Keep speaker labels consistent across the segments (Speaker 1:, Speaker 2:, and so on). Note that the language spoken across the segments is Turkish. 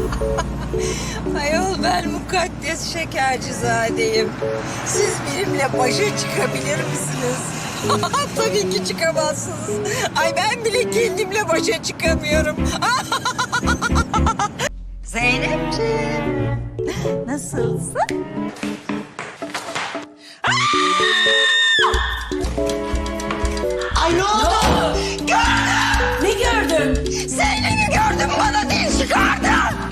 Speaker 1: Ayol ben mukaddes Şekercizadeyim. Siz benimle başa çıkabilir misiniz? Tabii ki çıkamazsınız. Ay ben bile kendimle başa çıkamıyorum. Zeynepciğim, nasılsın?
Speaker 2: Ay ne oldu?
Speaker 1: Gördüm!
Speaker 2: Ne gördün?
Speaker 1: Zeynep'i gördüm, bana dil çıkardı.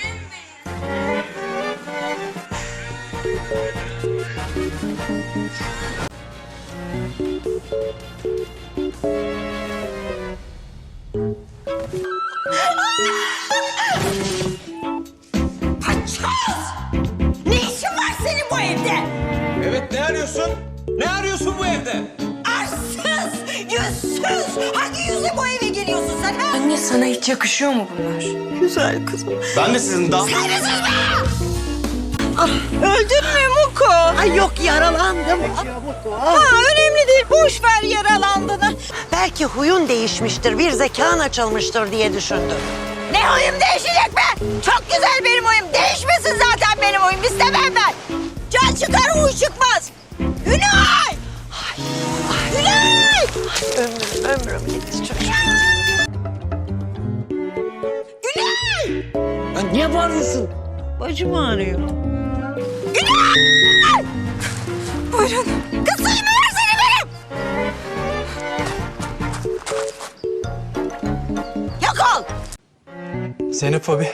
Speaker 1: Paçoz! Ne işin var senin bu evde?
Speaker 3: Evet, ne arıyorsun? Ne arıyorsun bu evde?
Speaker 1: Arsız, yüzsüz. Hangi yüzle bu eve geliyorsun sen ha?
Speaker 2: Anne sana hiç yakışıyor mu bunlar?
Speaker 1: Güzel kızım.
Speaker 3: Ben de sizin daha...
Speaker 1: Saygısız be! Öldün mü Muko?
Speaker 4: Ay yok yaralandım.
Speaker 1: Ha, önemli değil. Boş ver yaralandığını.
Speaker 4: Belki huyun değişmiştir, bir zekan açılmıştır diye düşündüm.
Speaker 1: Ne huyum değişecek be? Çok güzel benim huyum. Değişmesin zaten benim huyum. İstemem ben. Can çıkar, huy çıkmaz. Günay! Günay!
Speaker 4: Ömrüm gitti çocuğum.
Speaker 1: Günay!
Speaker 4: Ya niye bağırıyorsun? Bacım ağrıyor.
Speaker 1: Günay! Buyurun. Kız suyumu versene benim. Yok ol.
Speaker 5: Zeynep abi,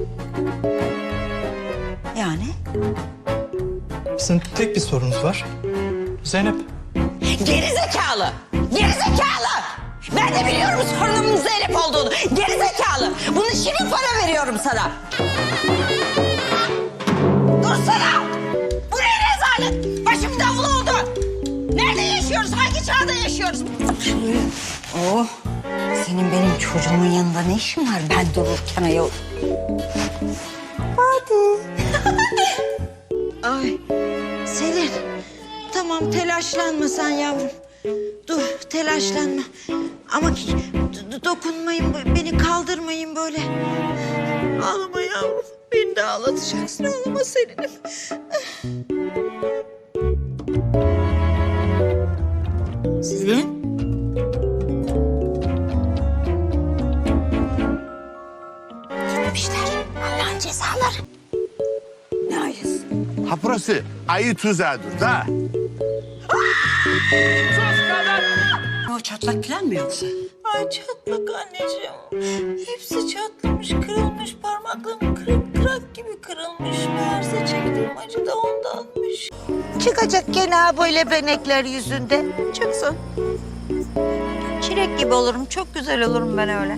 Speaker 1: Yani?
Speaker 5: bizim tek bir sorunuz var. Zeynep.
Speaker 1: Geri zekalı! Geri zekalı! Ben de biliyorum sorunumun Zeynep olduğunu. Geri zekalı! Bunun için para veriyorum sana. Dursana! Bu ne rezalet? Başım davul oldu. Nerede yaşıyoruz? Hangi çağda yaşıyoruz? Oh! Senin benim çocuğumun yanında ne işin var ben dururken ayol? Hadi.
Speaker 6: Ay Selin, tamam telaşlanma sen yavrum. Dur telaşlanma. Ama dokunmayın, beni kaldırmayın böyle. Ağlama yavrum, beni de ağlatacaksın. Ağlama Selin'im. Selin?
Speaker 1: Gitmişler. Allah'ın cezaları. Ne ayısı?
Speaker 7: Ha burası ayı tuzağıdır da.
Speaker 1: O çatlak falan mı yoksa?
Speaker 6: Ay çatlak anneciğim. Hepsi çatlamış, kırılmış. Parmaklarım kırak gibi kırılmış. Meğerse çektiğim acı da ondanmış.
Speaker 4: Çıkacak gene ha böyle benekler yüzünde.
Speaker 6: Çıksın.
Speaker 1: Çilek gibi olurum. Çok güzel olurum ben öyle.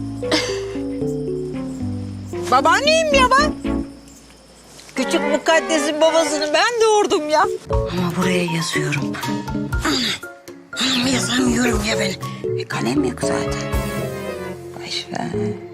Speaker 1: Babaanneyim ya ben. Küçük mukaddesin babasını ben doğurdum ya. Ama buraya yazıyorum. Anam yazamıyorum ya ben. Kalem yok zaten. Boş ver.